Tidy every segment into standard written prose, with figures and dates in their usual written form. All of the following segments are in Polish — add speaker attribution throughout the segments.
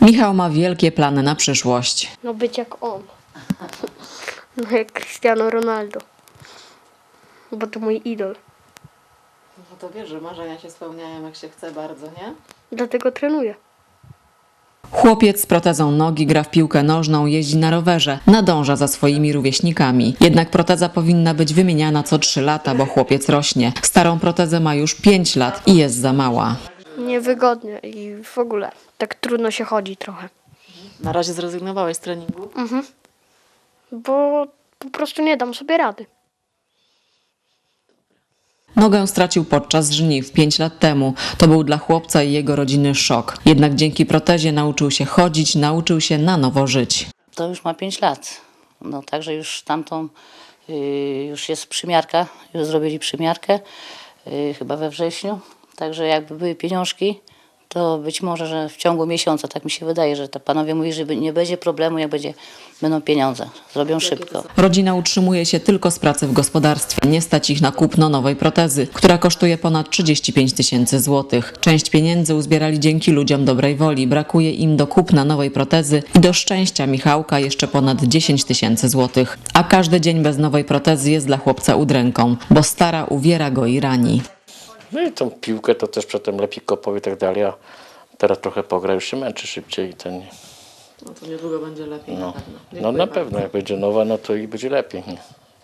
Speaker 1: Michał ma wielkie plany na przyszłość.
Speaker 2: No być jak on. No jak Cristiano Ronaldo. Bo to mój idol.
Speaker 3: No to wiesz, że marzenia się spełniają jak się chce bardzo, nie?
Speaker 2: Dlatego trenuję.
Speaker 1: Chłopiec z protezą nogi gra w piłkę nożną, jeździ na rowerze, nadąża za swoimi rówieśnikami. Jednak proteza powinna być wymieniana co 3 lata, bo chłopiec rośnie. Starą protezę ma już 5 lat i jest za mała.
Speaker 2: Niewygodnie i w ogóle. Tak trudno się chodzi trochę.
Speaker 3: Na razie zrezygnowałeś z treningu?
Speaker 2: Bo po prostu nie dam sobie rady.
Speaker 1: Nogę stracił podczas żniw 5 lat temu. To był dla chłopca i jego rodziny szok. Jednak dzięki protezie nauczył się chodzić, nauczył się na nowo żyć.
Speaker 4: To już ma 5 lat. No także już tamtą, już jest przymiarka, już zrobili przymiarkę, chyba we wrześniu. Także jakby były pieniążki, to być może, że w ciągu miesiąca, tak mi się wydaje, że to panowie mówili, że nie będzie problemu, jak będą pieniądze. Zrobią szybko.
Speaker 1: Rodzina utrzymuje się tylko z pracy w gospodarstwie. Nie stać ich na kupno nowej protezy, która kosztuje ponad 35 000 złotych. Część pieniędzy uzbierali dzięki ludziom dobrej woli. Brakuje im do kupna nowej protezy i do szczęścia Michałka jeszcze ponad 10 000 złotych. A każdy dzień bez nowej protezy jest dla chłopca udręką, bo stara uwiera go i rani.
Speaker 5: No i tą piłkę to też przedtem lepiej kopał i tak dalej, a teraz trochę pogra, już się męczy szybciej.
Speaker 3: No to niedługo będzie lepiej na pewno.
Speaker 5: No na pewno, jak będzie nowa, no to i będzie lepiej. Nie?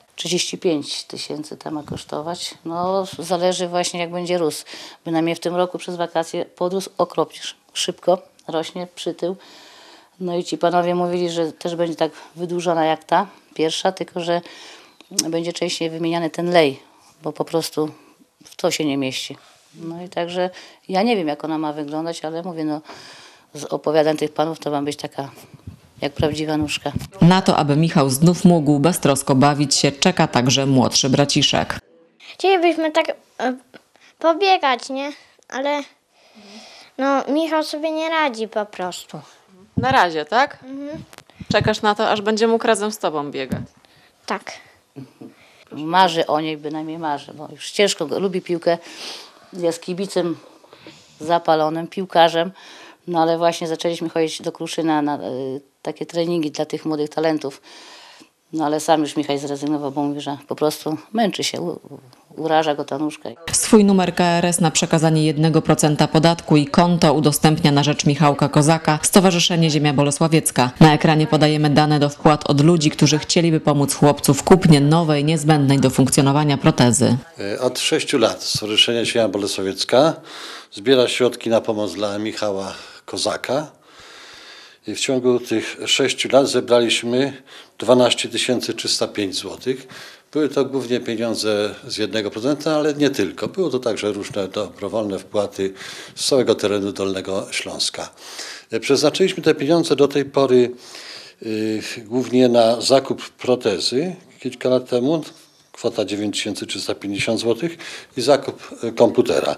Speaker 4: 35 000 to ma kosztować. No zależy właśnie jak będzie rósł. Bynajmniej w tym roku przez wakacje podrósł okropnie szybko, rośnie przytył. No i ci panowie mówili, że też będzie tak wydłużona jak ta pierwsza, tylko że będzie częściej wymieniany ten lej, bo po prostu w to się nie mieści. No i także ja nie wiem jak ona ma wyglądać, ale mówię, no z opowiadań tych panów to ma być taka jak prawdziwa nóżka.
Speaker 1: Na to, aby Michał znów mógł beztrosko bawić się, czeka także młodszy braciszek.
Speaker 6: Chcielibyśmy tak pobiegać, nie? Ale no Michał sobie nie radzi po prostu.
Speaker 3: Na razie, tak? Czekasz na to, aż będzie mógł razem z tobą biegać.
Speaker 6: Tak.
Speaker 4: Marzy o niej, bynajmniej marzy, bo już ciężko lubi piłkę, jest kibicem zapalonym, piłkarzem, no ale właśnie zaczęliśmy chodzić do Kruszyna na takie treningi dla tych młodych talentów, no ale sam już Michał zrezygnował, bo mówi, że po prostu męczy się, uraża go ta nóżka.
Speaker 1: Swój numer KRS na przekazanie 1% podatku i konto udostępnia na rzecz Michałka Kozaka Stowarzyszenie Ziemia Bolesławiecka. Na ekranie podajemy dane do wpłat od ludzi, którzy chcieliby pomóc chłopcu w kupnie nowej, niezbędnej do funkcjonowania protezy.
Speaker 7: Od 6 lat Stowarzyszenie Ziemia Bolesławiecka zbiera środki na pomoc dla Michała Kozaka. I w ciągu tych 6 lat zebraliśmy 12 305 zł. Były to głównie pieniądze z 1%, ale nie tylko. Było to także różne dobrowolne wpłaty z całego terenu Dolnego Śląska. Przeznaczyliśmy te pieniądze do tej pory głównie na zakup protezy kilka lat temu, kwota 9350 zł i zakup komputera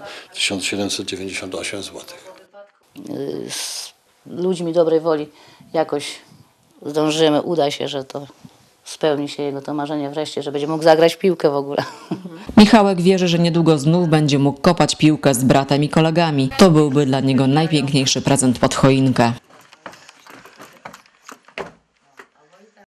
Speaker 7: 1798 zł.
Speaker 4: Z ludźmi dobrej woli jakoś zdążymy, uda się, że to spełni się jego to marzenie wreszcie, że będzie mógł zagrać w piłkę w ogóle.
Speaker 1: Michałek wierzy, że niedługo znów będzie mógł kopać piłkę z bratem i kolegami. To byłby dla niego najpiękniejszy prezent pod choinkę.